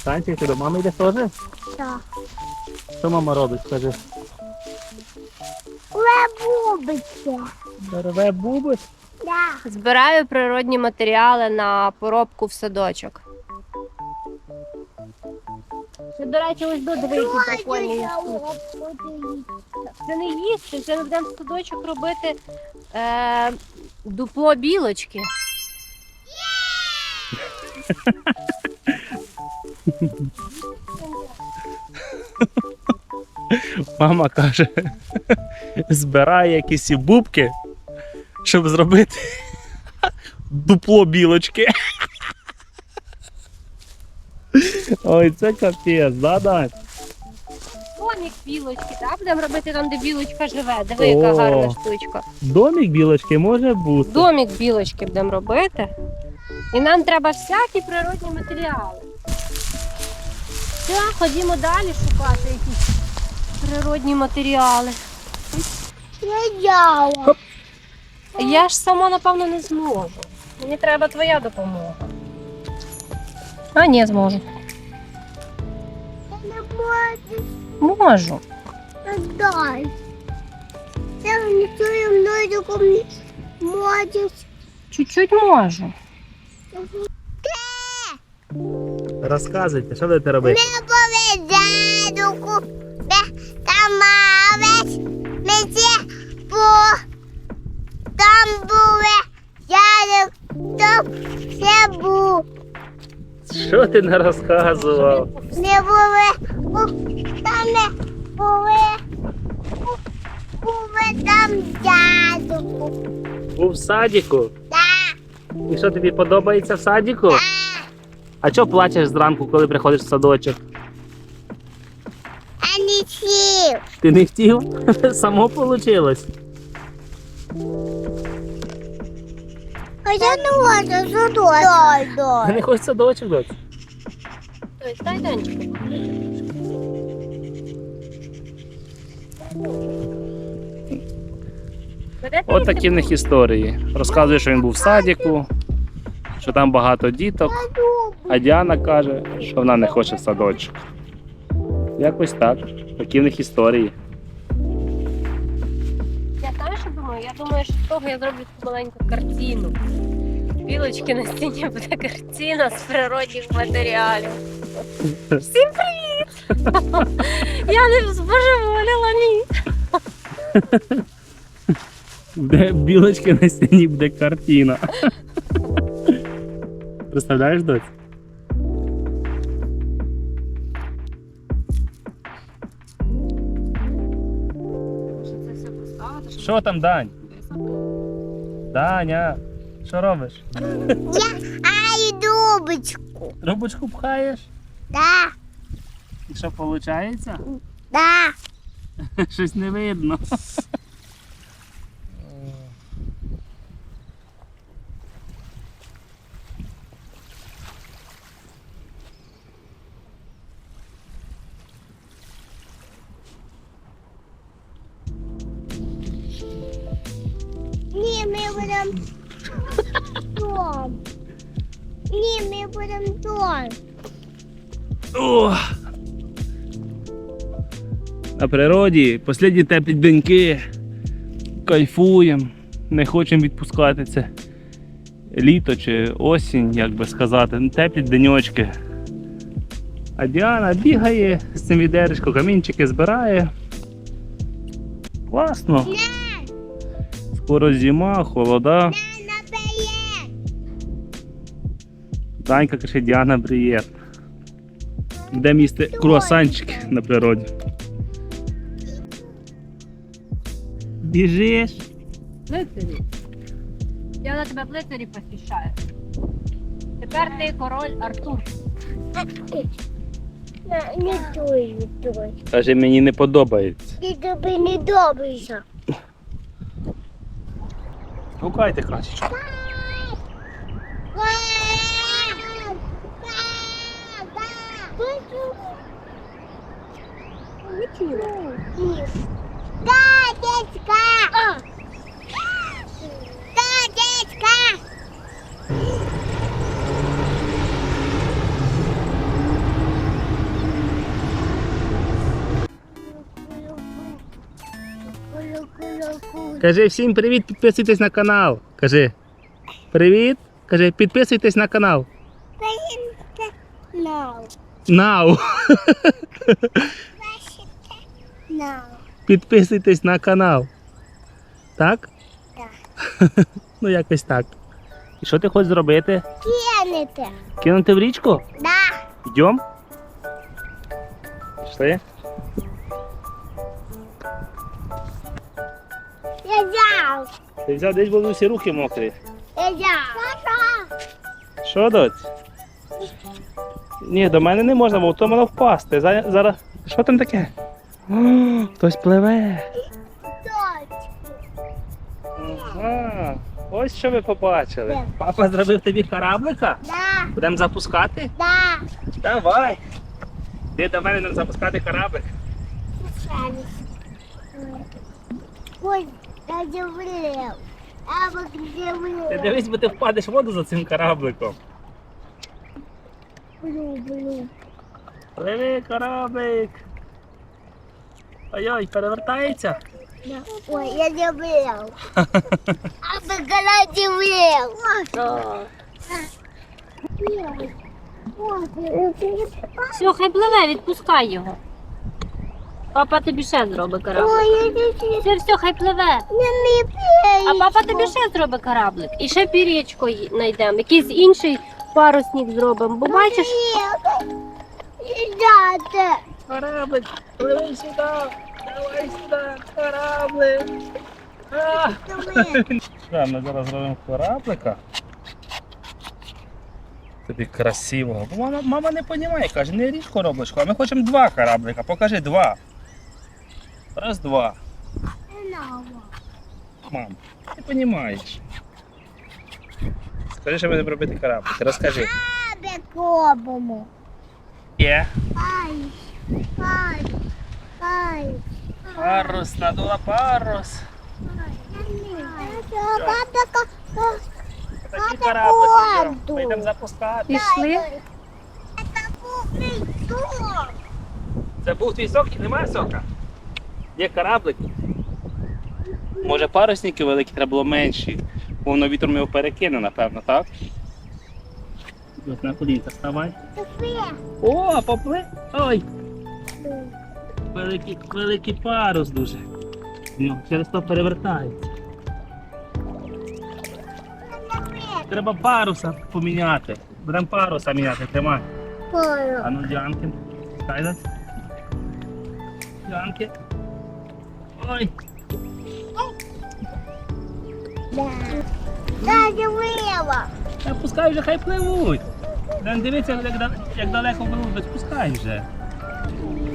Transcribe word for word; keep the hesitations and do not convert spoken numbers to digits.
Санчик, ти до мами йдеш теж? Так. Що мама робить, скажи? Лебубиться. Рве буби? Да. Збираю природні матеріали на поробку в садочок. Це, до речі, ось до дві прикольні. Це не їсти, це ми будемо в садочок робити е, дупло білочки. Мама каже, збирає якісь і бубки, щоб зробити дупло білочки. Ой, це капець, да, Дань? Домик білочки, так? Будемо робити там, де білочка живе. Диви, яка О. гарна штучка. Домик білочки може бути. Домик білочки будемо робити. І нам треба всякі природні матеріали. Все, ходімо далі шукати якісь природні матеріали. Я яла. Я ж сама, напевно, не зможу. Мені треба твоя допомога. А, ні, зможу. Я не можу. Можу. Дай. Я не чую мною кому можеш. Чуть-чуть можу. Розказуйте, що будете робити? Не повезенку. Там мавець. Мені по. Там були. Я там все був. Що ти не розказував? Не були. Там не були. Були там дядьку. Був в садіку. Так. І що тобі подобається в садіку? А чого плачеш зранку, коли приходиш в садочок? А не сів. Ти не хотів? Само вийшло. А я не можу задати. Дай, Ти дай. не хочеш в садочок, доць? Ось, дай Данчику. От такі в них історії. Розказує, що він був в садіку, що там багато діток, а Діана каже, що вона не хоче в садочок. Якось так. Такі в них історії. Я знаю, що думаю? Я думаю, що з того я зроблю таку маленьку картину. Білочки на стіні буде картина з природних матеріалів. Всім привіт! Я не збожеволіла, ні. Де білочки на стіні буде картина. Представляєш, доць? Це все поставити, щоб Що там, Дань? Даня, що робиш? Ай, дубочку. Трубочку пхаєш? Да, І що виходить? да. Щось не видно. Ні, ми будемо дом. Ні, ми будемо дом. О! На природі останні теплі деньки. Кайфуємо. Не хочемо відпускати це літо чи осінь, як би сказати. Ну, теплі деньочки. А Діана бігає з цим відеречком, камінчики збирає. Класно. Скоро зима, холода. Наприє. Данька каже, Діана, привіт. Де їсти круасанчики на природі. Біжиш? Лицарі. Я на тебе в лицарі посвящаю. Тепер ти король Артур. Не, не той, не той. Каже, мені не подобається. Ти тобі не добрийся. Гукайте краще. Да, дядька! Да, дядька! Кажи всім привіт, підписуйтесь на канал. Кажи. Привіт. Кажи, підписуйтесь на канал. No. Нау. No. Підписуйтесь на канал. Так? Так. Ну якось так. І що ти хочеш зробити? Кинете. Кинути в річку? Да. Йдем? Пішли? Я взяв. Ти взяв, десь були всі руки мокрі. Я взяв. Що, доць? Ні, до мене не можна, бо то воно впасти. За- Зараз. Що там таке? О, хтось пливе. Ага. Ось що ви побачили. Де? Папа зробив тобі кораблика? Да. Будемо запускати? Да. Давай. Ти до мене нам запускати кораблик. Ой, я дивлю. А вот где вы? Ти дивись, бо ти впадеш в воду за цим корабликом. Блю, блю. Пливи, кораблик. Ой-ой, перевертається. Ой, я дивлю. А вы когда дивлю? Все, хай пливе, відпускай його. Папа тобі ще зробить кораблик. Ой, я не Все, все, хай пливе. не А папа тобі ще зробить кораблик. І ще пірічку знайдемо. Якийсь інший парусник зробимо. Бо бачиш, Ребята. Кораблик, пливи сюди. Давай сюди, кораблик. А! Да, ми зараз зробимо кораблика. Тобі красивого. Бо мама, мама не розуміє, каже, не ріж корабличку, а ми хочемо два кораблика. Покажи два. Раз, два. Мам, ти розумієш. Скажи, що будемо робити кораблик. Розкажи. Бекобому. Є. Ай. Ай. Ай. Парус, надула парус. Такий кораблик. Ми воду. йдемо запускати. пішли. Это кухонный дом. Це був твій сок, немає сока? Є кораблик. Може парусники великі, треба було менші. Бо воно вітром його перекине, напевно, так? Ось на колінка ставай. О, попли. Ой! Великий, великий парус дуже. Ну, через то перевертається. Треба паруса поміняти. Будемо паруса міняти, тримай. А ну, Діанки. Кайдас. Діанки. Ой. Да, дивила. Та пускай вже, хай пливуть. Дан дивіться, як, да- як далеко пливуть, пускай вже.